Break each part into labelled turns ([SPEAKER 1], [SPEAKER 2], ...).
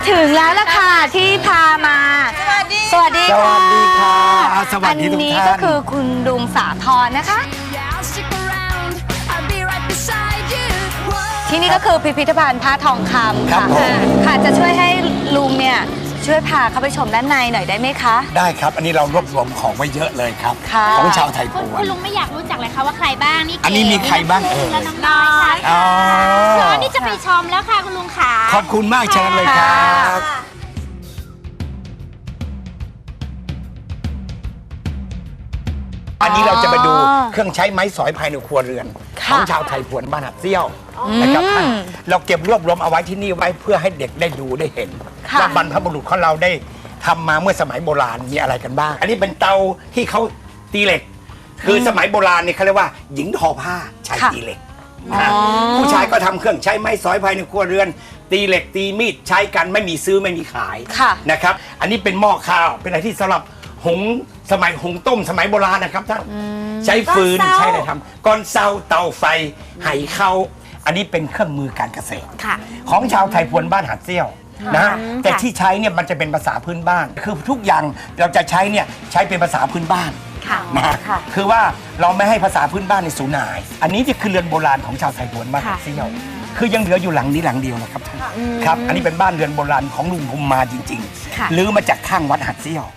[SPEAKER 1] ถึงแล้วล่ะค่ะที่พามาสวัสดีค่ะ
[SPEAKER 2] สวัสดีค่ะสวัสดีทุกท่าน
[SPEAKER 1] อันนี้ก็คือคุณลุงสาธรนะคะ ที่นี่ก็คือพิพิธภัณฑ์ผ้าทองคำค่ะค่ะจะช่วยให้ลุงเนี่ยช่วยพาเข้าไปชมด้านในหน่อยได้ไหมคะ
[SPEAKER 2] ได้ครับอันนี้เรารวบรวมของไว้เยอะเลยครับของชาวไทยพวน
[SPEAKER 3] คุณลุงไม่อยากรู้จักเลยค่ะว่าใครบ้างนี่
[SPEAKER 2] อันนี้มีใครบ้าง
[SPEAKER 3] และน้องน้อยค่ะตอนนี้จะไปชมแล้วค่ะคุณลุงขา
[SPEAKER 2] ขอบคุณมากเชิญเลยครับอันนี้เราจะไปดูเครื่องใช้ไม้สอยภายในครัวเรือนของชาวไทยพวนบ้านหัดเซี่ยวนะครับท่านเราเก็บรวบรวมเอาไว้ที่นี่ไว้เพื่อให้เด็กได้ดูได้เห็นว่าบรรพบุรุษของเราได้ทำมาเมื่อสมัยโบราณมีอะไรกันบ้างอันนี้เป็นเตาที่เขาตีเหล็กคือสมัยโบราณเนี่ยเขาเรียกว่าหญิงทอผ้าชายตีเหล็กผู้ชายก็ทำเครื่องใช้ไม้สอยภายในครัวเรือนตีเหล็กตีมีดใช้กันไม่มีซื้อไม่มีขายนะครับอันนี้เป็นหม้อข้าวเป็นอะไรที่สำหรับหุงสมัยหุงต้มสมัยโบราณนะครับท่านใช้ฟืนใช้อะไรทำก้อนเซาเตาไฟไหเข้าอันนี้เป็นเครื่องมือการเกษตรของชาวไทยพวนบ้านหัดเซี่ยวนะแต่ที่ใช้เนี่ยมันจะเป็นภาษาพื้นบ้านคือทุกอย่างเราจะใช้เนี่ยใช้เป็นภาษาพื้นบ้านนะคือว่าเราไม่ให้ภาษาพื้นบ้านในสูญหายอันนี้จะคือเรือนโบราณของชาวไทยพวนบ้านหัดเซี่ยวคือยังเหลืออยู่หลังนี้หลังเดียวนะครับท่านครับอันนี้เป็นบ้านเรือนโบราณของลุงภูมิมาจริงๆลื้อมาจากข้างวัดหัดเซี่ยว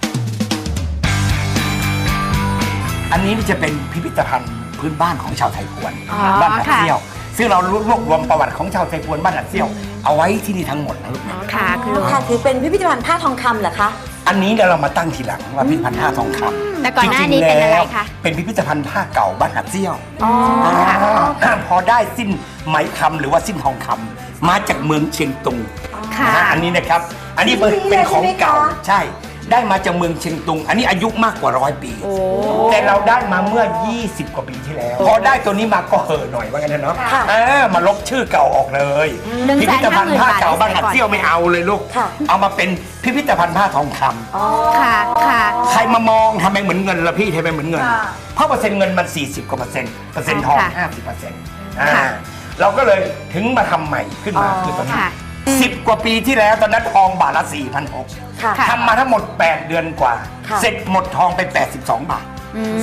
[SPEAKER 2] อันนี้จะเป็นพิพิธภัณฑ์พื้นบ้านของชาวไทยพวนบ้านหัดเซี่ยวซึ่งเรารวบรวมประวัติของชาวไทยพวนบ้านหัดเซี่ยวเอาไว้ที่นี่ทั้งหมดนะลูกนะ
[SPEAKER 1] ค่ะคือเป็นพิพิธภัณฑ์ผ้าทองคำเหรอคะ
[SPEAKER 2] อันนี้เรามาตั้งทีหลังว่าพิพิธภัณฑ์ผ้าทองคำ
[SPEAKER 3] แต่ก่อนหน้านี้เป็นอะไรคะ
[SPEAKER 2] เป็นพิพิธภัณฑ์ผ้าเก่าบ้านหัดเซี่ยวพอได้สิ้นไหมคำหรือว่าสิ้นทองคำมาจากเมืองเชียงตุงอันนี้นะครับอันนี้เป็นของเก่าใช่ได้มาจากเมืองเชียงตุงอันนี้อายุมากกว่า100 ปีแต่เราได้มาเมื่อ20 กว่าปีที่แล้วพอได้ตัวนี้มาก็เห่อหน่อยว่างั้นนะเนาะมาลบชื่อเก่าออกเลยพิพิธภัณฑ์ผ้าเก่าบ้านหัดเซี่ยวไม่เอาเลยลูกเอามาเป็นพิพิธภัณฑ์ผ้าทองคำใครมามองทำไมเหมือนเงินละพี่ทำไมเหมือนเงินเพราะเปอร์เซ็นต์เงินมัน40 กว่าเปอร์เซ็นต์ทอง50%เราก็เลยถึงมาทำใหม่ขึ้นมาคือตอนนี้10 กว่าปีที่แล้วตอนนั้นทองบาทละ 4,600 ทำมาทั้งหมด8 เดือนกว่าเสร็จหมดทองไป82 บาท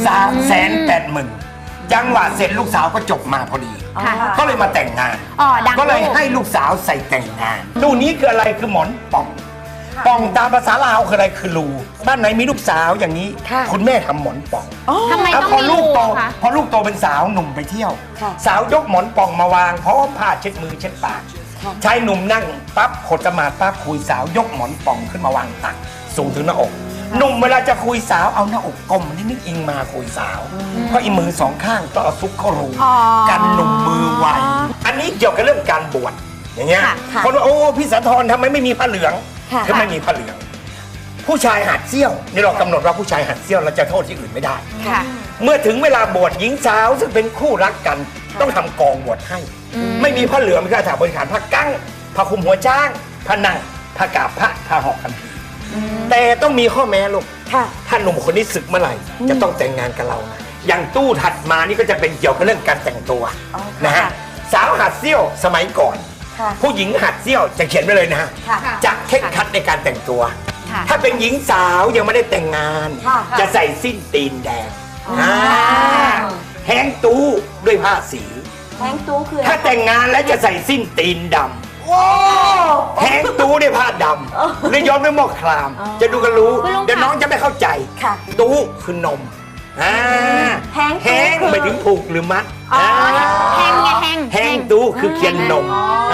[SPEAKER 2] 380,000จังหวะเสร็จลูกสาวก็จบมาพอดีก็เลยมาแต่งงานก็เลยให้ลูกสาวใส่แต่งงานตู้นี้คืออะไรคือหมอนป่องป่องตามภาษาลาวคืออะไรคือรูบ้านไหนมีลูกสาวอย่างนี้คุณแม่ทำหมอนป่อง
[SPEAKER 3] ทำไมต้องมีรูคะ
[SPEAKER 2] พอลูกโตเป็นสาวหนุ่มไปเที่ยวสาวยกหมอนป่องมาวางพร้อมผ้าเช็ดมือเช็ดปากชายหนุ่มนั่งปั๊บขดสมาธิปั๊บคุยสาวยกหมอนป่องขึ้นมาวางตักสูงถึงหน้าอกหนุ่มเวลาจะคุยสาวเอาหน้าอกก้มนิดอิงมาคุยสาวเพราะอีมือสองข้างต้องเอาซุกเข้ารูกันหนุ่มมือไวอันนี้เกี่ยวกับเรื่องการบวชอย่างเงี้ยคนว่าโอ้พี่สาธรทำไมไม่มีผ้าเหลืองถ้าไม่มีผ้าเหลืองผู้ชายหัดเซี่ยวนี่เรากำหนดว่าผู้ชายหัดเซี่ยวเราจะโทษที่อื่นไม่ได้เมื่อถึงเวลาบวชหญิงสาวซึ่งเป็นคู่รักกันต้องทำกองบวชให้ไม่มีผ้าเหลืองไม่ก็ถาบริการผ้ากั้งผ้าคลุมหัวจ้างผ้านั่งผ้ากาบผ้าหอกกันผีแต่ต้องมีข้อแม้ลูกถ้าหนุ่มคนนี้ศึกเมื่อไหร่จะต้องแต่งงานกับเรานะอย่างตู้ถัดมานี่ก็จะเป็นเกี่ยวกับเรื่องการแต่งตัวนะฮะสาวหัดเซี่ยวสมัยก่อนผู้หญิงหัดเซี่ยวจะเขียนไว้เลยนะฮะจะเคร่งครัดในการแต่งตัวถ้าเป็นหญิงสาวยังไม่ได้แต่งงานจะใส่สิ้นตีนแดงแห้งตู้ด้วยผ้าสี
[SPEAKER 1] แห้งตู้คือ
[SPEAKER 2] ถ้าแต่งงานแล้วจะใส่สิ้นตีนดำแห้งตู้ด้วยผ้าดำหรือย้อมด้วยหม้อครามจะดูกันรู้เดี๋ยวน้องจะไม่เข้าใจตู้คือนมแห้งไปถึงผูกหรือมัด
[SPEAKER 3] แห้งไง
[SPEAKER 2] แห้งตู้คือเคียนนม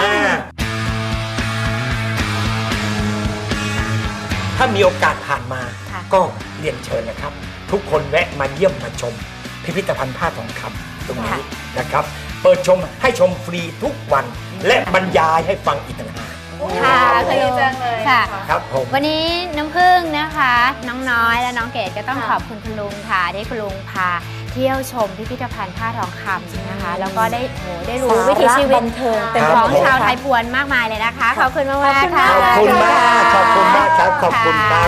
[SPEAKER 2] ถ้ามีโอกาสผ่านมาก็เรียนเชิญนะครับทุกคนแวะมาเยี่ยมมาชมพิพิธภัณฑ์ผ้าทองคำตรงนี้นะครับเปิดชมให้ชมฟรีทุกวันและบรรยายให้ฟังอีกต่างหาก
[SPEAKER 3] ค่ะคือจังเลย
[SPEAKER 2] ค่ะครับผม
[SPEAKER 3] วันนี้น้ำผึ้งนะคะน้องน้อยและน้องเกดก็ต้องขอบคุณลุงค่ะที่คุณลุงพาเที่ยวชมพิพิธภัณฑ์ผ้าทองคำนะคะแล้วก็ได้รู้วิถีชีวิตเป็นของชาวไทยพวนมากมายเลยนะคะขอบคุณมากๆค่ะ
[SPEAKER 2] ขอบคุณมากครับขอบคุณมาก